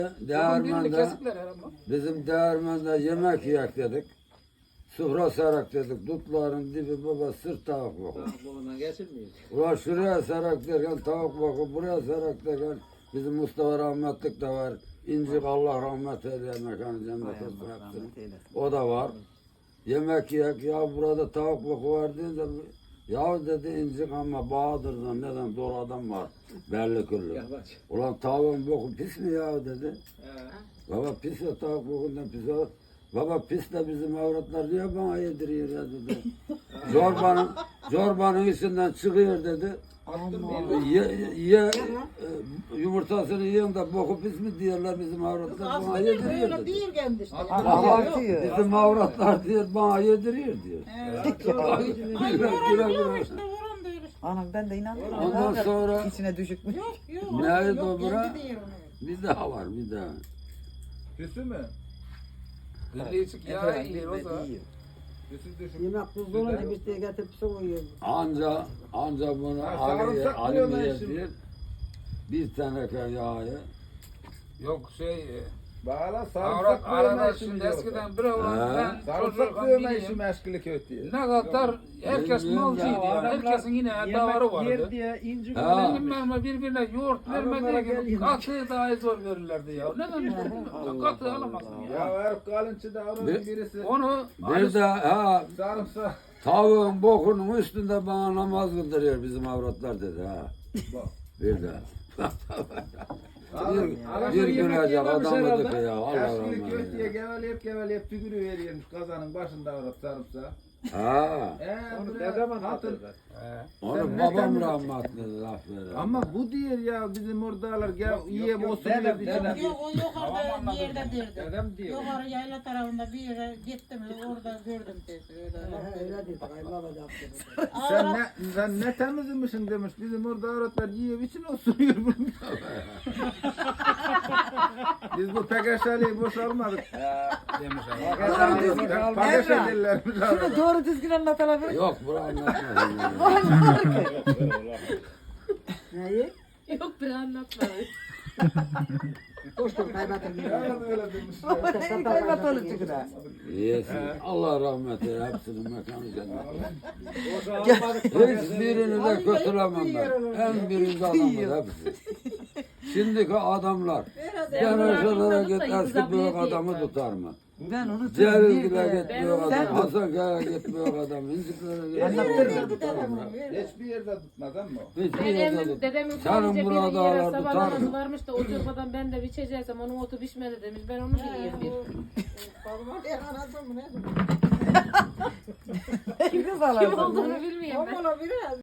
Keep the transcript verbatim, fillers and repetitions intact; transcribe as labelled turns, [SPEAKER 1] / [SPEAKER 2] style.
[SPEAKER 1] Değirmende, bizim değirmende yemek yiyek dedik. Sufra sarak dedik. Dutların dibi baba sırt tavuk bakı. Ulan şuraya sarak derken tavuk bakı, buraya sarak derken bizim Mustafa rahmetlik de var. İncik Allah rahmet eyleyen mekanı cennet olsun. O da var. Yemek yiyek ya burada tavuk bakı var deyince ya dedi incik ama Bahadır'dan neden dolu adam var belli küllü. Ulan tavuğun boku pis mi ya dedi. Baba pis ya tavuk bokundan pis olur. Baba pis de bizim avratlar niye bana yediriyor ya dedi. Zorbanın, zorbanın içinden çıkıyor dedi. Ye, ye, yumurtasını yiyen de boku pis mi diyorlar bizim avratlar bana yediriyor dedi.
[SPEAKER 2] Değil kendi işte.
[SPEAKER 1] Bizim avratlar diyor bana yediriyor diyor.
[SPEAKER 2] Ay vuran diyor işte vuran diyor işte.
[SPEAKER 3] Anam ben de inanmıyorum.
[SPEAKER 1] Ondan sonra
[SPEAKER 3] İçine düşükmüş.
[SPEAKER 2] Yok yok.
[SPEAKER 1] neydi
[SPEAKER 2] yok,
[SPEAKER 1] o bura?
[SPEAKER 2] kendi diyor onu.
[SPEAKER 1] Bir daha var bir daha.
[SPEAKER 4] Küsü mü?
[SPEAKER 5] Birleşik ya iyi o zaman.
[SPEAKER 4] Küsü düşük.
[SPEAKER 6] Yemek tuzlu olunca bir şey getirip soğuyor.
[SPEAKER 1] Anca anca bunu
[SPEAKER 4] Ha,
[SPEAKER 1] Ali'ye
[SPEAKER 4] sarımsak
[SPEAKER 1] Ali'ye
[SPEAKER 4] koyuyorlar şimdi.
[SPEAKER 1] diyor. Bir teneke yağı.
[SPEAKER 5] Yok şey
[SPEAKER 4] Bağla
[SPEAKER 5] avrat
[SPEAKER 4] sarımsak
[SPEAKER 5] arada
[SPEAKER 4] dövme işi
[SPEAKER 5] şimdi
[SPEAKER 4] biliyor.
[SPEAKER 5] eskiden bir olan ben
[SPEAKER 4] Sarımsak
[SPEAKER 5] çocukken
[SPEAKER 4] dövme işi
[SPEAKER 5] bileyim.
[SPEAKER 4] meşgulü kötü.
[SPEAKER 5] Ne kadar herkes
[SPEAKER 1] Bilmiyorum
[SPEAKER 5] malcıydı
[SPEAKER 1] ya,
[SPEAKER 5] ya. Herkesin yine davarı vardı.
[SPEAKER 6] diye inci
[SPEAKER 1] Ha.
[SPEAKER 5] Benim memle birbirine yoğurt vermediği gibi katı daha zor verirlerdi ya. Neden katı alamazsın
[SPEAKER 4] Ya
[SPEAKER 5] ya.
[SPEAKER 4] Arif Kalınçı'da onun
[SPEAKER 1] Bir-
[SPEAKER 4] birisi
[SPEAKER 5] Onu
[SPEAKER 1] Bir de ha
[SPEAKER 4] sarımsak.
[SPEAKER 1] tavuğun bokunun üstünde bana namaz kıldırıyor bizim avratlar dedi ha.
[SPEAKER 4] Bak.
[SPEAKER 1] Bir de.
[SPEAKER 4] Alın, alın
[SPEAKER 1] Bir
[SPEAKER 4] bir yemek
[SPEAKER 1] gülecek
[SPEAKER 4] yememiş
[SPEAKER 1] adam
[SPEAKER 4] herhalde.
[SPEAKER 1] dedik ya Allah
[SPEAKER 4] Yaşlı kötüye
[SPEAKER 1] rahmet eylesin.
[SPEAKER 4] geveleyip geveleyip tükürü veriyormuş kazanın başında Arif sarımsak.
[SPEAKER 1] Ha.
[SPEAKER 4] Eee
[SPEAKER 6] Onu
[SPEAKER 4] buraya
[SPEAKER 6] ne zaman
[SPEAKER 4] hatır-
[SPEAKER 6] hatırlar?
[SPEAKER 1] Onu
[SPEAKER 4] Sen ne
[SPEAKER 1] babam
[SPEAKER 4] temizlik-
[SPEAKER 1] rahmetli laf verir.
[SPEAKER 4] Ama bu diyor ya bizim oradalar gel yiye olsun
[SPEAKER 6] dedem,
[SPEAKER 4] diye
[SPEAKER 6] dedem.
[SPEAKER 4] bizim-
[SPEAKER 2] Yok o yukarıda bir yerde derdi.
[SPEAKER 6] Dedem diyor.
[SPEAKER 2] Yukarı yayla tarafında bir yere gittim orada gördüm dedi. Öyle.
[SPEAKER 6] Öyle dedi. Kayınbaba yaptı.
[SPEAKER 4] Sen ne, sen ne temizmişsin demiş. Bizim orada avratlar yiyor için osuruyor bunu. Biz bu pekeşeliği boş almadık.
[SPEAKER 5] demiş
[SPEAKER 4] Pekeşelilermiş
[SPEAKER 3] Şunu
[SPEAKER 4] avratlar.
[SPEAKER 3] doğru düzgün anlatalım.
[SPEAKER 1] Yok bunu anlatmadım.
[SPEAKER 6] Neyi?
[SPEAKER 7] Yok bir anlatmadı.
[SPEAKER 6] Koştum kaybatım.
[SPEAKER 4] Ya öyle demiş.
[SPEAKER 3] Neyi kaybat olur çıkına.
[SPEAKER 1] Yesin. Allah rahmet eylesin. Hepsinin mekanı cennet.
[SPEAKER 6] Boşalmadık.
[SPEAKER 1] Hiçbirini de kötülemem ben. En birinci adamlar hepsi. Şimdiki adamlar. Gençlere git eski büyük adamı tutar mı?
[SPEAKER 3] Ben onu
[SPEAKER 1] Celil
[SPEAKER 3] bir
[SPEAKER 1] gibi
[SPEAKER 3] de-
[SPEAKER 1] git büyük
[SPEAKER 3] Sen
[SPEAKER 1] adam. Hasan Kaya git büyük adam. İnciklere git büyük adam tutar mı?
[SPEAKER 4] Hiçbir yerde tutmaz ama.
[SPEAKER 1] Hiçbir yerde
[SPEAKER 7] Dedemin,
[SPEAKER 1] tut.
[SPEAKER 7] dedemin
[SPEAKER 1] Senin
[SPEAKER 7] sadece bir
[SPEAKER 1] burada
[SPEAKER 7] yere
[SPEAKER 1] dağlar
[SPEAKER 7] sabah
[SPEAKER 1] tutar
[SPEAKER 7] namazı
[SPEAKER 1] mı?
[SPEAKER 7] varmış da o çorbadan ben de içeceksem onun otu pişmedi demiş. Ben onu bileyim bir.
[SPEAKER 2] Babama ben anladım ne?
[SPEAKER 3] Kız
[SPEAKER 7] Kim
[SPEAKER 3] alalım.
[SPEAKER 7] olduğunu bilmiyorum ben.
[SPEAKER 2] Babama biraz.